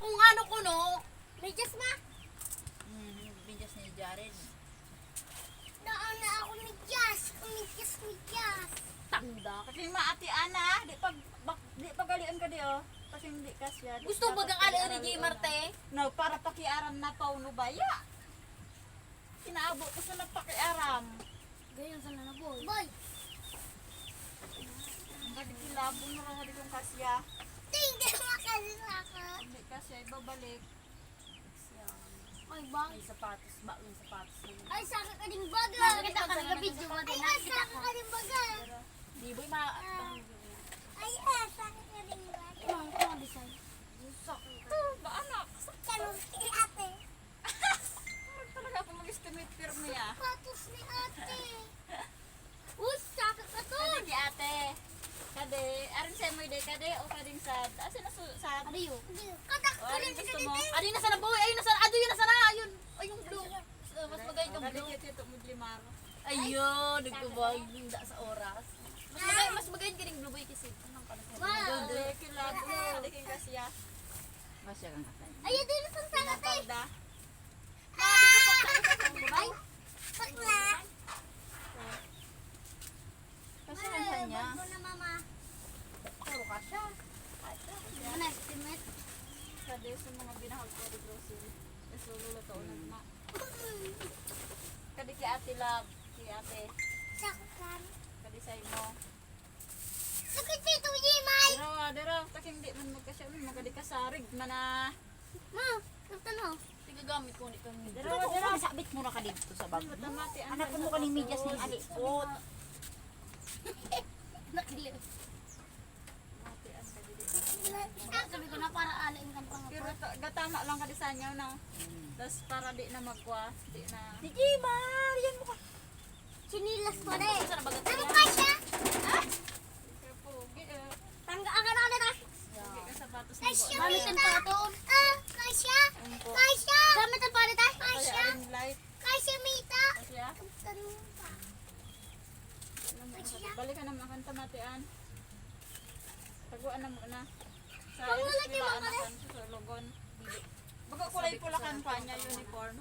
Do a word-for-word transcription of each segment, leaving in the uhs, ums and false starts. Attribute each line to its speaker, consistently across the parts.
Speaker 1: kung ano ko no.
Speaker 2: Medyas ma.
Speaker 1: Hmm, binyas ni Jared.
Speaker 2: Daan na ako medyas. Medyas, medyas.
Speaker 1: Tanda.
Speaker 3: Kasi maati ana, di pag bak, di pagalian ka di oh. Kasi hindi kasya.
Speaker 1: Gusto ba kang ala ni J. Marte?
Speaker 3: No, para pakiaram na pa uno baya. Inaabot ko sa napakiaram.
Speaker 2: Ganyan sana na boy. Boy.
Speaker 3: Hindi kilabong na raw di kong kasya.
Speaker 2: Hindi makasalaka.
Speaker 3: Hindi kasya ibabalik.
Speaker 2: Ay bang.
Speaker 1: May sapatos ba? May sapatos.
Speaker 2: Ay saka ka ding baga.
Speaker 1: Nakita ka na
Speaker 2: video mo din. Ay saka ka ding baga.
Speaker 1: Di boy ma...
Speaker 2: Ay ah saka ka ding baga. Ang ko design.
Speaker 3: Sakto, ba anak?
Speaker 2: Kano si ate.
Speaker 3: Parang talaga ako mag-estimate firme ah.
Speaker 2: Patos ni ate. Uy saka ka to.
Speaker 3: Kade ki ate. Kade, arin sa mo ide kade o kading sad. Asa na su- sad?
Speaker 2: Ano yun? Katak
Speaker 3: O
Speaker 2: ka
Speaker 3: arin
Speaker 2: rin
Speaker 3: gusto mo?
Speaker 1: Adi na sana boy! Ayun na sana! Ado yun na sana! Ayun! Ay yung blue! Uh, mas magay yung
Speaker 3: Kade
Speaker 1: blue.
Speaker 3: kiti to mo limar.
Speaker 1: Ayun! Nagkabay yung da sa oras. Mas magay, mas magay yung kining blue boy kasi. Anong pala sa
Speaker 2: Wow.
Speaker 3: Kade kilabo, kade king kasya.
Speaker 1: Masya kang katay.
Speaker 2: Ayun din sa sana te.
Speaker 3: Palda.
Speaker 2: Bye. Pakla.
Speaker 1: Kasi ang niya.
Speaker 2: Bago na mama.
Speaker 1: Puro ka siya.
Speaker 2: Ano estimate?
Speaker 3: Kade sa mga binahal ko di grocery. Eso luluto na na. Kade ki ate love, ki ate.
Speaker 2: Saktan.
Speaker 3: Kade sa imo.
Speaker 2: Sakit dito, Jimay.
Speaker 3: Dero, dero, taking di man magkasya man magadi kasarig man ah.
Speaker 2: Ma, nagtanaw.
Speaker 1: Tigagamit ko nito.
Speaker 3: Dero, dero.
Speaker 1: Sabit mo na ka dito sa bag mo.
Speaker 3: Matamati ang
Speaker 1: Anak mo ka ni medyas ni alikot.
Speaker 2: Nakiliw.
Speaker 3: Mati ang kadili.
Speaker 2: Sabi ko na para alain kang
Speaker 3: Pero
Speaker 2: pangapot.
Speaker 3: ta- gatama lang ka disanyaw na. Tas para di na magwa, di na.
Speaker 1: Si Jimar! Yan mo ka.
Speaker 2: Sinilas pa rin.
Speaker 1: Saan na bagat
Speaker 2: Ano
Speaker 1: niya?
Speaker 2: pa siya?
Speaker 3: Kaya pogi eh.
Speaker 2: Tangga ang ano na.
Speaker 3: Pogi ka sapatos ni
Speaker 2: Kasya,
Speaker 3: Bo.
Speaker 2: Gamitin pa ito. Ah, kasya.
Speaker 3: Ayun po.
Speaker 2: Kasya. Gamitin pa rin tayo.
Speaker 3: Kaya
Speaker 2: Kasya.
Speaker 3: aring light.
Speaker 2: Kasya, Mita.
Speaker 3: Kasi ah.
Speaker 2: Tanong pa.
Speaker 3: Balik ka na makanta matian. Taguan na muna. Sa
Speaker 2: Pag wala
Speaker 3: eskwela
Speaker 2: kayo
Speaker 3: anakan sa logon. Baga kulay pula kan pa niya uniform.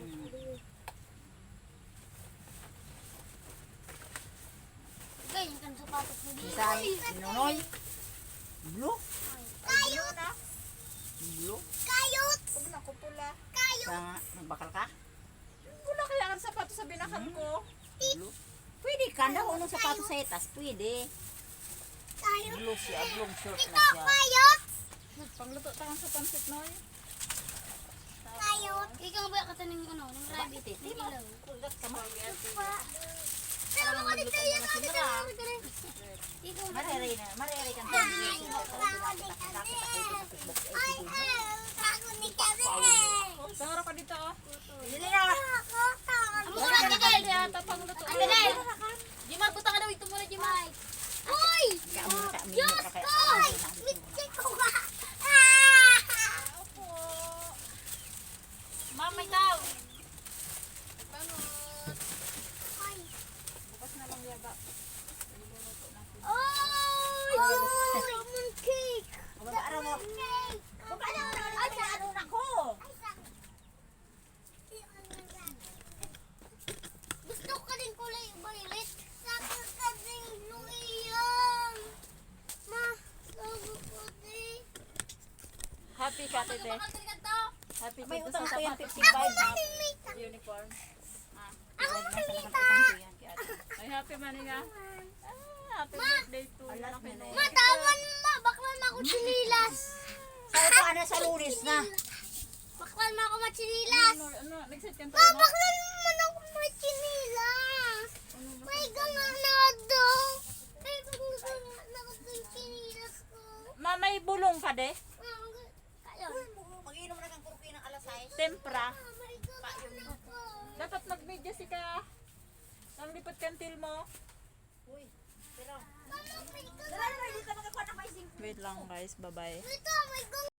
Speaker 2: Ganyan kan sapatos mo dito.
Speaker 1: Isay, Nonoy. Blue?
Speaker 2: Kayot.
Speaker 3: na.
Speaker 1: Blue?
Speaker 2: Kayot.
Speaker 3: Pag na ko pula.
Speaker 2: Kayot.
Speaker 1: Sa nagbakal ka?
Speaker 3: Pula kaya ang sapatos sa binakan ko.
Speaker 1: Blue? Pwede ka na kung anong sapatos sa itas. Pwede.
Speaker 2: Kayot.
Speaker 1: Blue siya. Blue short na
Speaker 2: Ito,
Speaker 1: siya.
Speaker 2: kayot.
Speaker 3: Pangluto tangan sa pansit noy.
Speaker 2: Kayot. Ikaw ba kataning ano, ng rabbit?
Speaker 1: Bakit? Di
Speaker 2: Ng
Speaker 1: ba?
Speaker 2: ilaw.
Speaker 1: Kulgat ka mo.
Speaker 2: Pero mga dito yan, mga dito yan. Ikaw ba?
Speaker 1: Marere na. Marere ka.
Speaker 2: Ay, ay, bago ni kami.
Speaker 3: Tangara ka dito oh.
Speaker 1: Hindi na.
Speaker 2: Ako, taon.
Speaker 3: Wala ka dito yata pangluto.
Speaker 2: Ano na?
Speaker 1: Jimar, punta ka daw. Ito muna, Jimar.
Speaker 2: Uy!
Speaker 1: Kaya mo ka.
Speaker 2: Diyos ko! Mitsi ko ba? Ah!
Speaker 3: Opo.
Speaker 1: Mamay tao.
Speaker 2: Ay.
Speaker 3: Bukas na lang yaga. Luluto natin.
Speaker 2: Oy! Lemon cake!
Speaker 1: Mag-aaraw mo.
Speaker 2: Cake!
Speaker 1: Ay, sa ano na ko?
Speaker 2: Gusto ko din kulay violet. Saka ka din blue iyan. Ma, sabi ko din.
Speaker 3: Happy ka tete. Happy
Speaker 1: May
Speaker 3: dito
Speaker 1: utang
Speaker 3: sa
Speaker 1: ko yan,
Speaker 3: sapatos
Speaker 1: fifty-five na.
Speaker 2: Mita.
Speaker 3: uniform. Ah.
Speaker 2: Ako mamita.
Speaker 3: Ay happy man nga. Ah, happy
Speaker 2: Ma!
Speaker 3: birthday to
Speaker 1: Alas
Speaker 3: Laki
Speaker 1: na
Speaker 3: no.
Speaker 1: na.
Speaker 2: Matawan ma, baklan ma ako chinilas.
Speaker 1: Sa ito, ano, sa lunes na.
Speaker 2: Baklan ma ako machinilas.
Speaker 3: Ano, ano, nag-set ka
Speaker 2: Ma, baklan man ako machinilas. May ganganado. May ganganado ako sa chinilas ko.
Speaker 3: Ma, may bulong ka de?
Speaker 2: Kayo.
Speaker 1: Mag-inom na kang kuruki ng alasay.
Speaker 3: Tempra.
Speaker 2: Ah, may ganganado ako.
Speaker 3: Dapat mag-media si ka. Ang lipat kantil mo.
Speaker 1: Uy, pero.
Speaker 2: Mama, may
Speaker 1: Dala na, hindi ka makakuha ng maising.
Speaker 3: Wait lang guys, bye-bye.
Speaker 2: Ito, may